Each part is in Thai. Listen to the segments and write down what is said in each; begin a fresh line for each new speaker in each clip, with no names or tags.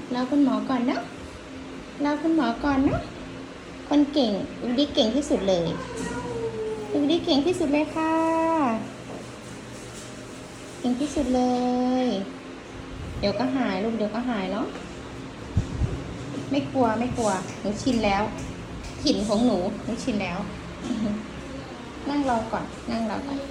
รอคุณหมอก่อนนะรอคุณหมอก่อนนะคนเก่งวิดีเก่งที่สุดเลยวิดีเก่งที่สุดเลยค่ะเก่งที่สุดเลยเดี๋ยวก็หายลูกเดี๋ยวก็หายเนาะไม่กลัวไม่กลัวหนูชินแล้วถิ่นของหนูชินแล้วนั่งรอก่อนนั่งรอก่อน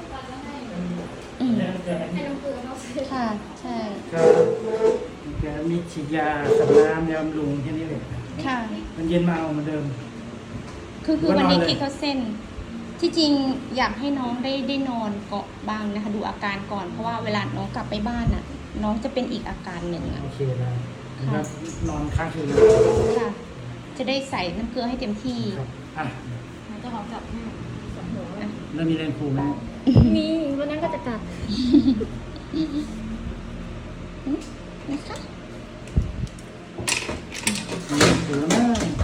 ให้น้ำเกลือเขาซื้อ
ค่ะใช่
ก็แกมีฉีดยาสับน้ำยาบำรุงแค่นี้เลย
ค่ะ
มันเย็นมาเอาเหมือนเดิม
คือวันนี้คิดเขาเส้นที่จริงอยากให้น้องได้นอนเกาะบ้างนะคะดูอาการก่อนเพราะว่าเวลาน้องกลับไปบ้านน่ะน้องจะเป็นอีกอาการหนึ่งอ่ะ
โอเคได้ครับนอนค้างคืน
ค่ะจะได้ใส่น้ำเกลือให้เต็มที่
ครับอ่ะ
มันจะหอมกลับให้สองหัวนะ
แล้วมีแรงครูไหม
มีวันนั้นก็จะกลับ
นะคะ
มีแรงครูไหม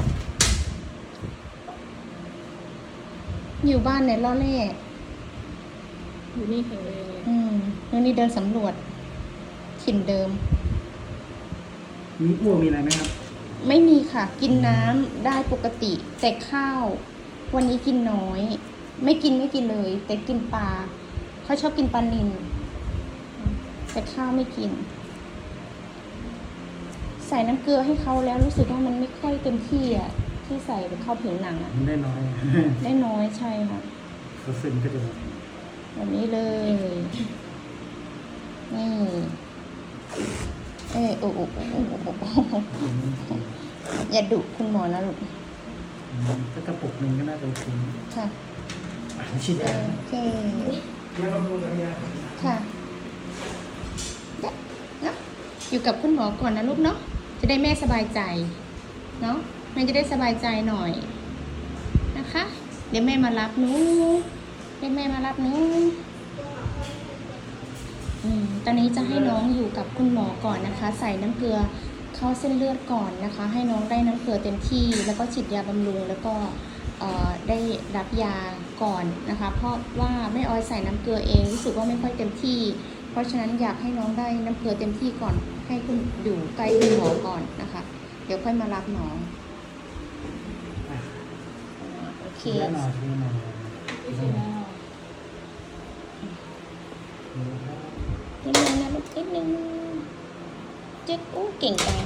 อยู่บ้านเนี่ยล่อเล่
อยู่นี่แข็งแรงเลย
แล้วนี่เดินสำรวจถิ่นเดิม
มีอ้วกมีอะไรไหมครับ
ไม่มีค่ะกินน้ำได้ปกติแต่ข้าววันนี้กินน้อยไม่กินเลย แต่กินปลาเขาชอบกินปลานิลแต่ข้าวไม่กินใส่น้ำเกลือให้เขาแล้วรู้สึกว่ามันไม่ค่อยเต็มที่อ่ะที่ใส่ไปเข้าผิวหนังอ่ะ
ได้น้อย
ได้น้อยใช่ค่ะ
เขาซึมก็จะ
แบบนี้เลยนี่โอ้อย่าดุคุณหมอนะลูก
ก็กระปุกหนึ่งก็น่าจะโอเค
ค่ะ
ฉีดยา
โอเค
ยาบำรุงกับยา
ค่ะเนาะอยู่กับคุณหมอก่อนนะลูกเนาะจะได้แม่สบายใจเนาะแม่จะได้สบายใจหน่อยนะคะเดี๋ยวแม่มารับหนูตอนนี้จะให้น้องอยู่กับคุณหมอก่อนนะคะใส่น้ำเกลือเข้าเส้นเลือดก่อนนะคะให้น้องได้น้ำเกลือเต็มที่แล้วก็ฉีดยาบำรุงแล้วก็ได้รับยาก่อนนะคะเพราะว่าแม่ออยใส่น้ำเกลือเองรู้สึกว่าไม่ค่อยเต็มที่เพราะฉะนั้นอยากให้น้องได้น้ำเกลือเต็มที่ก่อนให้คุณอยู่ใกล้คุณหมอก่อนนะคะเดี๋ยวค่อยมารับน้องโอเคนิดนึงนะลูกนิดนึงจึ๊กเก่งจัง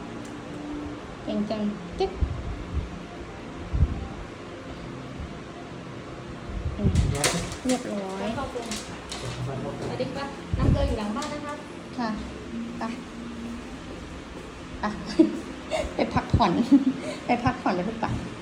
จึ๊กเรียบร้อย
สวัสดีค่ะน้ำเกลืออยู่หลังบ้านนะคะ
ค่ะไปไปพักผ่อนแล้วลูกไป